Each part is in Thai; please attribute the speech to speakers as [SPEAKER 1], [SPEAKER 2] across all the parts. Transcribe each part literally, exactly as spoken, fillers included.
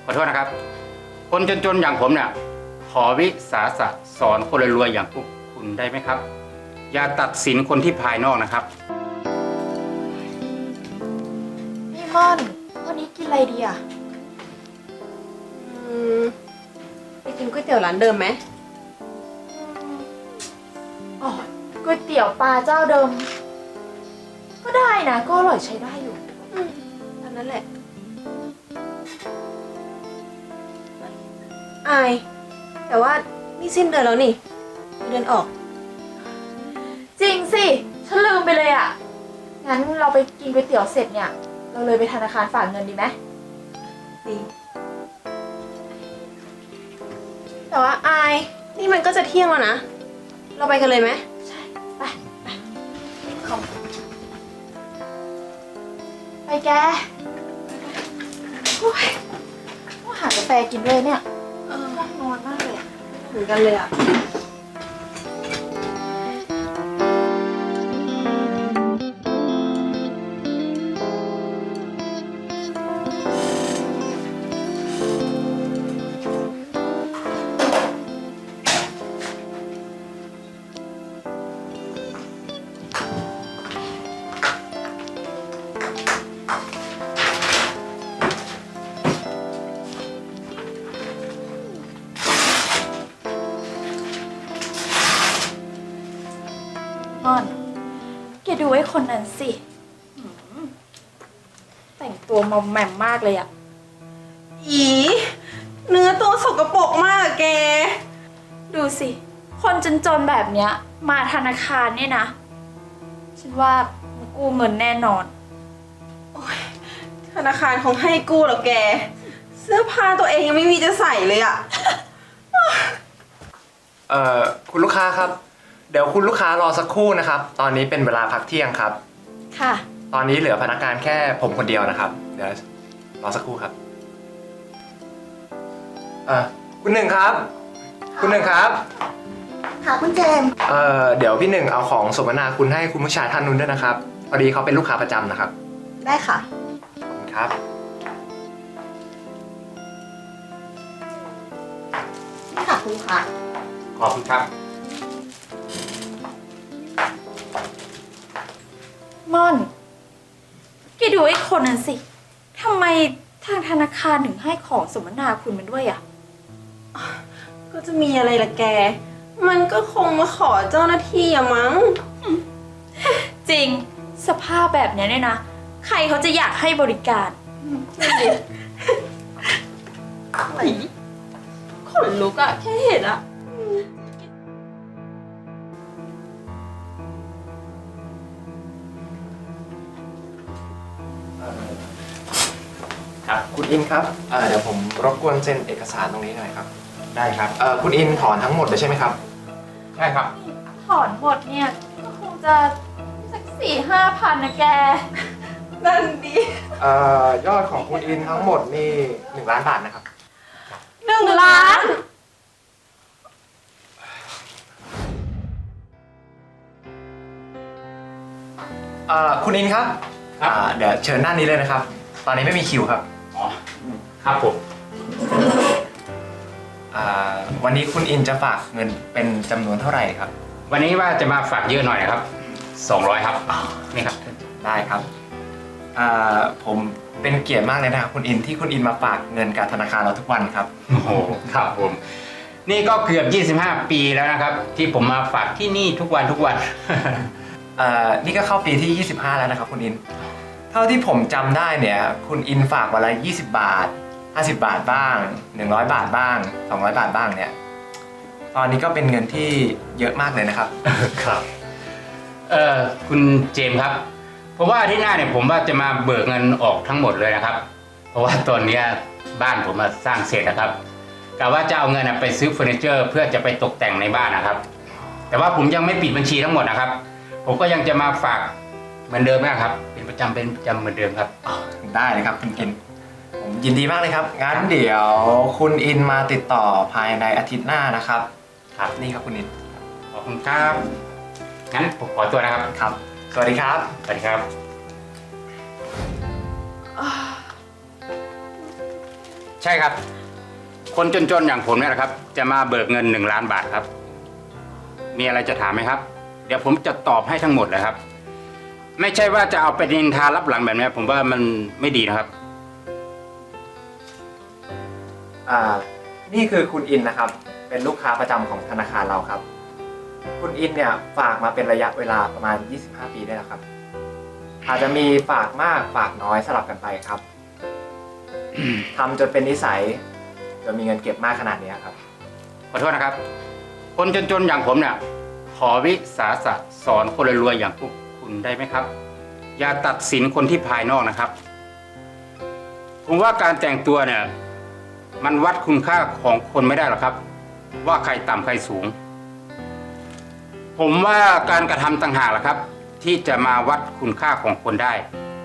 [SPEAKER 1] ขอโทษนะครับ คนจนๆอย่างผมเนี่ยขอวิสาสะสอนคนรวยๆอย่างพวกคุณได้ไหมครับ อย่าตัดสินคนที่ภายนอกนะครับ
[SPEAKER 2] พี่ม่อนวันนี้กินอะไรดีอ่ะ
[SPEAKER 3] อืมไปกินก๋วยเตี๋ยวร้านเดิมไหม
[SPEAKER 2] อ๋อก๋วยเตี๋ยวปลาเจ้าเดิม ก็ได้นะก็อร่อยใช้ได้อยู่
[SPEAKER 3] อืมอันนั้นแหละอายแต่ว่านี่สิ้นเดือนแล้วนี่เดือนออก
[SPEAKER 2] จริงสิ ฉันลืมไปเลยอ่ะ งั้นเราไปกินก๋วยเตี๋ยวเสร็จเนี่ย เราเลยไปธนาคารฝากเงินดีไหม
[SPEAKER 3] ดีแต่ว่าอายนี่มันก็จะเที่ยงแล้วนะ เราไปกันเลยไหม
[SPEAKER 2] ใช่ ไป ไปเข้าไปแกโอ้ยต้องหากาแฟกินด้วยเนี่ย
[SPEAKER 3] เออ
[SPEAKER 2] ง่วงนอนมากเลยอะ
[SPEAKER 3] เหมือนกันเลยอ่ะ
[SPEAKER 2] ม่อนแกดูไอ้คนนั้นสิหืมแต่งตัวมอมแมมมากเลยอะ
[SPEAKER 3] อีเนื้อตัวสกปรกมากอะแก
[SPEAKER 2] ดูสิ คนจนๆแบบเนี้ย มาธนาคารเนี่ยนะ ฉันว่ามันกู้เงินแน่นอน
[SPEAKER 3] ธนาคารคงให้กู้หรอกแก เสื้อผ้าตัวเองยังไม่มีจะใส่เลยอ่ะ
[SPEAKER 4] เอ่อคุณลูกค้าครับ เดี๋ยวคุณลูกค้ารอสักครู่นะครับ ตอนนี้เป็นเวลาพักเที่ยงครับ
[SPEAKER 2] ค่ะ
[SPEAKER 4] ตอนนี้เหลือพนักงานแค่ผมคนเดียวนะครับ เดี๋ยวรอสักครู่ครับเอ่อคุณหนึ่งครับ คุณหนึ่งครับ
[SPEAKER 5] ค่ะคุณเจมส์
[SPEAKER 4] เอ่อเดี๋ยวพี่หนึ่งเอาของสมนาคุณให้คุณผู้ชายท่านนู้นด้วยนะครับพอดีเขาเป็นลูกค้าประจำนะครับ
[SPEAKER 5] ได้ค่ะ
[SPEAKER 4] ขอบคุณครับ
[SPEAKER 5] นี่ค่ะคุณลูกค้า
[SPEAKER 1] ขอบคุณครับ
[SPEAKER 2] ม่อน แกดูไอ้คนนั้นสิ ทำไมทางธนาคารถึงให้ของสมนาคุณมันด้วยอะ
[SPEAKER 3] ก็จะมีอะไรล่ะแก มันก็คงมาขอเจ้าหน้าที่อะมั้ง
[SPEAKER 2] จริง สภาพแบบเนี้ยเนี่ยนะ ใครเขาจะอยากให้บริการ
[SPEAKER 3] ไหนขนลุกอะแค่เห็นอะ
[SPEAKER 1] ครับ
[SPEAKER 4] คุณอินครับเอ่อเดี๋ยวผมรบกวนเซ็นเอกสารตรงนี้หน่อยครับ
[SPEAKER 1] ได้ครับ
[SPEAKER 4] เอ่อคุณอินถอนทั้งหมดเลยใช่ไหมครับ
[SPEAKER 1] ใช่ครับ
[SPEAKER 2] ถอนหมดเนี่ย ก็คงจะสักสี่ห้าพันนะแก
[SPEAKER 3] นั่นดี
[SPEAKER 4] เอ่อยอดของคุณอินทั้งหมดนี่หนึ่งล้านบาทนะครับ
[SPEAKER 3] หนึ่งล้าน
[SPEAKER 4] เอ่อคุณอินครับ
[SPEAKER 1] ครับ
[SPEAKER 4] อ่าเดี๋ยวเชิญด้านนี้เลยนะครับ ตอนนี้ไม่มีคิวครับ
[SPEAKER 1] อ๋อ ครับผม
[SPEAKER 4] อ่าวันนี้คุณอินจะฝากเงินเป็นจำนวนเท่าไหร่ครับ
[SPEAKER 1] วันนี้ว่าจะมาฝากเยอะหน่อยนะครับสองร้อยครับ นี่ครับ
[SPEAKER 4] ได้ครับอ่าผมเป็นเกียรติมากเลยนะครับคุณอินที่คุณอินมาฝากเงินกับธนาคารเราทุกวันครับ
[SPEAKER 1] โอ้โห ครับผม นี่ก็เกือบยี่สิบห้าปีแล้วนะครับ ที่ผมมาฝากที่นี่ทุกวันทุกวัน
[SPEAKER 4] เอ่อนี่ก็เข้าปีที่ยี่สิบห้าแล้วนะครับคุณอิน เท่าที่ผมจำได้เนี่ยคุณอินฝากวันละยี่สิบบาทห้าสิบบาทบ้างหนึ่งร้อยบาทบ้างสองร้อยบาทบ้างเนี่ยตอนนี้ก็เป็นเงินที่เยอะมากเลยนะครับ
[SPEAKER 1] ครับ เอ่อ คุณเจมส์ครับ เพราะว่าอาที่หน้าเนี่ยผมว่าจะมาเบิกเงินออกทั้งหมดเลยนะครับ เพราะว่าตอนเนี้ยบ้านผมมาสร้างเสร็จนะครับกะว่าจะเอาเงินไปซื้อเฟอร์นิเจอร์เพื่อจะไปตกแต่งในบ้านนะครับ แต่ว่าผมยังไม่ปิดบัญชีทั้งหมดนะครับ ผมก็ยังจะมาฝากเหมือนเดิมนะครับ เป็นประจำเป็นประจำเหมือนเดิมครับ
[SPEAKER 4] ได้เลยครับคุณอิน ผมยินดีมากเลยครับงั้นเดี๋ยวคุณอินมาติดต่อภายในอาทิตย์หน้านะครับ ครับนี่ครับคุณอิน
[SPEAKER 1] ขอบคุณครับ งั้นผมขอตัวนะครับ
[SPEAKER 4] ครับ สวัสดีครับ
[SPEAKER 1] สวัสดีครับ
[SPEAKER 3] อ่า
[SPEAKER 1] ใช่ครับ คนจนๆอย่างผมเนี่ยนะครับ จะมาเบิกเงินหนึ่งล้านบาทครับ มีอะไรจะถามไหมครับ เดี๋ยวผมจะตอบให้ทั้งหมดเลยครับ ไม่ใช่ว่าจะเอาไปนินทารับหลังแบบนี้ผมว่ามันไม่ดีนะครับ
[SPEAKER 4] อ่า นี่คือคุณอินนะครับ เป็นลูกค้าประจำของธนาคารเราครับ คุณอินเนี่ยฝากมาเป็นระยะเวลาประมาณ ยี่สิบห้า ปีได้แล้วครับ อาจจะมีฝากมากฝากน้อยสลับกันไปครับ ทำจนเป็นนิสัยจนมีเงินเก็บมากขนาดนี้ครับ
[SPEAKER 1] ขอโทษนะครับ คนจนๆอย่างผมเนี่ย ขอวิสาสะสอนคนรวยๆอย่างพวกคุณได้ไหมครับ อย่าตัดสินคนที่ภายนอกนะครับ ผมว่าการแต่งตัวเนี่ย มันวัดคุณค่าของคนไม่ได้หรอกครับ ว่าใครต่ำใครสูง ผมว่าการกระทำต่างหากแหละครับ ที่จะมาวัดคุณค่าของคนได้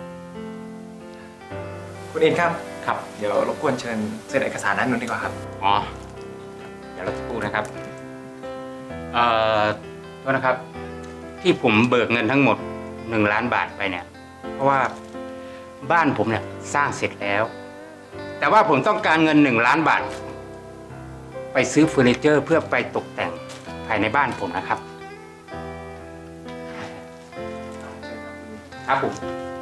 [SPEAKER 4] คุณอินครับ
[SPEAKER 1] ครับ
[SPEAKER 4] เดี๋ยวรบกวนเชิญเซ็นเอกสารนั้นนู้นดีกว่าครับ
[SPEAKER 1] อ๋อ เดี๋ยวเราจะพูดนะครับ เอ่อโทษนะครับ ที่ผมเบิกเงินทั้งหมดหนึ่งล้านบาทไปเนี่ย เพราะว่าบ้านผมเนี่ยสร้างเสร็จแล้ว แต่ว่าผมต้องการเงินหนึ่งล้านบาท ไปซื้อเฟอร์นิเจอร์เพื่อไปตกแต่งภายในบ้านผมนะครับ ครับผม